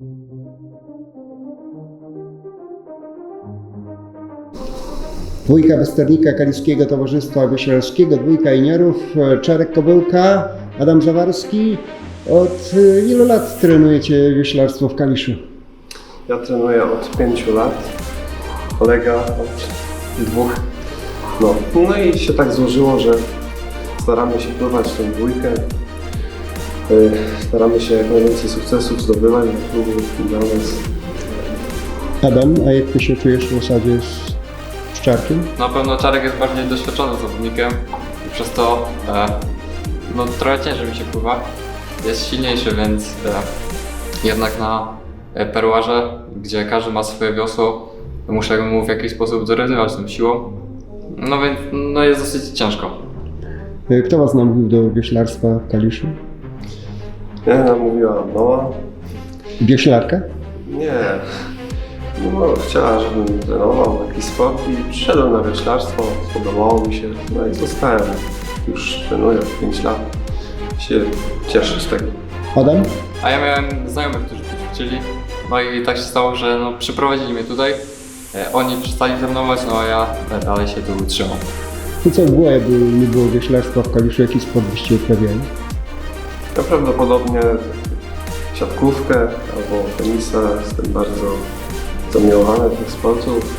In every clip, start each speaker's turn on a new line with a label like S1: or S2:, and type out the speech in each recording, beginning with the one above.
S1: Dwójka Westernika Kaliskiego Towarzystwa Wioślarskiego, dwójka juniorów, Czarek Kobyłka, Adam Zawarski. Od ilu lat trenujecie wioślarstwo w Kaliszu?
S2: Ja trenuję od 5 lat, kolega od 2. No i się tak złożyło, że staramy się pływać tę dwójkę. Staramy się jak najwięcej sukcesów zdobywać dla klubu, dla nas.
S1: Adam, a jak ty się czujesz w osadzie z Czarkiem?
S3: Na pewno Czarek jest bardziej doświadczonym zawodnikiem i przez to trochę ciężej mi się pływa. Jest silniejszy, więc jednak na perłarze, gdzie każdy ma swoje wiosło, muszę mu w jakiś sposób dorywać tą siłą. No więc jest dosyć ciężko.
S1: Kto was namówił do wioślarstwa w Kaliszu?
S2: Ja namówiła mama.
S1: Wioślarka?
S2: Nie. No, chciała, żebym trenował jakiś sport i przyszedłem na wioślarstwo, spodobało mi się, no i zostałem. Już trenuję 5 lat. Się cieszę z tego.
S1: Adam?
S3: A ja miałem znajomych, którzy tu ćwiczyli, no i tak się stało, że przyprowadzili mnie tutaj. Oni przestali trenować, no a ja dalej się tu utrzymam.
S1: To co było, jakby nie było wioślarstwa w Kaliszu, jaki sport byście uprawiali?
S2: Ja prawdopodobnie siatkówkę albo tenisa, jestem bardzo zamiłowany tych sportów.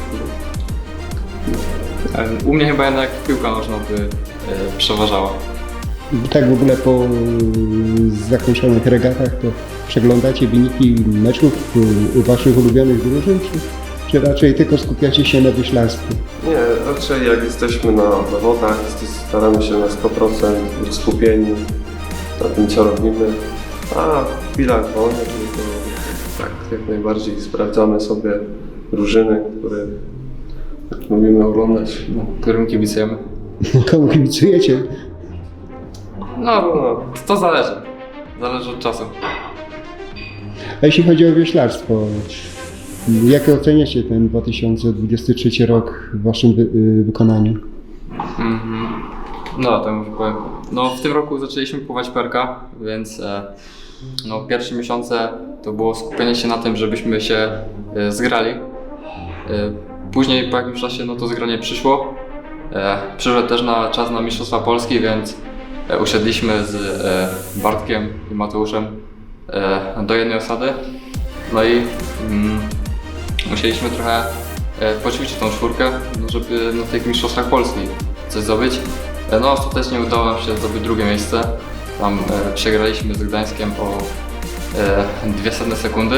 S3: U mnie chyba jednak piłka nożna by przeważała.
S1: Tak w ogóle po zakończonych regatach to przeglądacie wyniki meczów u waszych ulubionych drużyn, czy raczej tylko skupiacie się na wieślarstwie?
S2: Nie, raczej jak jesteśmy na zawodach, staramy się na 100% być skupieni na tym, co robimy, a w chwilach wolnych to tak jak najbardziej sprawdzamy sobie drużyny, które lubimy oglądać.
S3: Którym kibicujemy?
S1: Komu kibicujecie?
S3: To zależy. Zależy od czasu.
S1: A jeśli chodzi o wioślarstwo, jak oceniacie ten 2023 rok w waszym wykonaniu?
S3: To już powiem. W tym roku zaczęliśmy pływać perka, więc pierwsze miesiące to było skupienie się na tym, żebyśmy się zgrali. Później po jakimś czasie to zgranie przyszło. Przyszedł też czas na Mistrzostwa Polski, więc usiedliśmy z Bartkiem i Mateuszem do jednej osady. No i musieliśmy trochę poćwiczyć tą czwórkę, żeby na tych Mistrzostwach Polski coś zdobyć. Ostatecznie udało nam się zdobyć drugie miejsce. Tam przegraliśmy z Gdańskiem o 0,02 sekundy.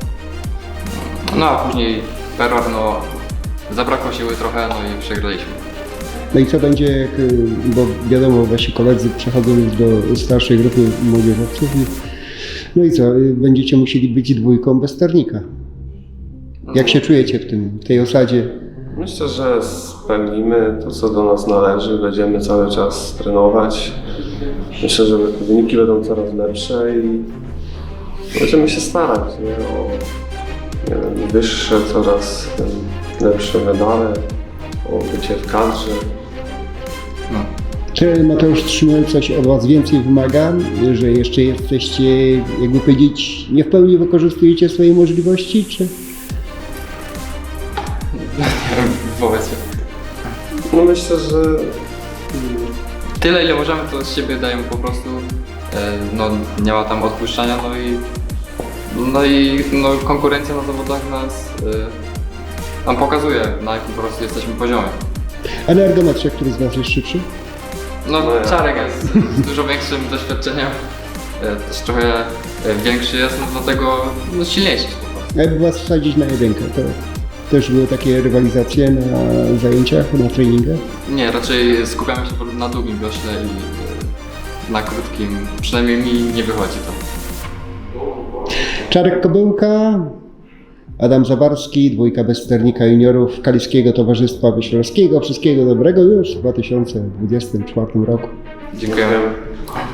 S3: A później perłar, zabrakło siły trochę, i przegraliśmy.
S1: No i co będzie, bo wiadomo, wasi koledzy przechodzą już do starszej grupy młodzieżowców. No i co, będziecie musieli być dwójką Westernika. Jak się czujecie w tej osadzie?
S2: Myślę, że spełnimy to, co do nas należy, będziemy cały czas trenować. Myślę, że wyniki będą coraz lepsze i będziemy się starać o wyższe, coraz lepsze medale, o bycie w kadrze.
S1: Czy Mateusz Trzymel coś od was więcej wymaga, że jeszcze jesteście, jakby powiedzieć, nie w pełni wykorzystujecie swoje możliwości, czy?
S3: Wobec
S2: Myślę, że
S3: tyle, ile możemy, to z siebie dajemy po prostu. Nie ma tam odpuszczania, konkurencja na zawodach nas nam pokazuje, na jakim po prostu jesteśmy poziomie.
S1: A na ergometrze, który z was jest szybszy?
S3: Czarek jest z dużo większym doświadczeniem, też trochę większy jest, dlatego silniejszy po prostu.
S1: A jakby was wsadzić na jedynkę, to też były takie rywalizacje na zajęciach, na treningach?
S3: Nie, raczej skupiamy się na długim wiośle i na krótkim, przynajmniej mi nie wychodzi to.
S1: Czarek Kobyłka, Adam Zawarski, dwójka Westernika juniorów Kaliskiego Towarzystwa Wioślarskiego. Wszystkiego dobrego już w 2024 roku.
S3: Dziękujemy.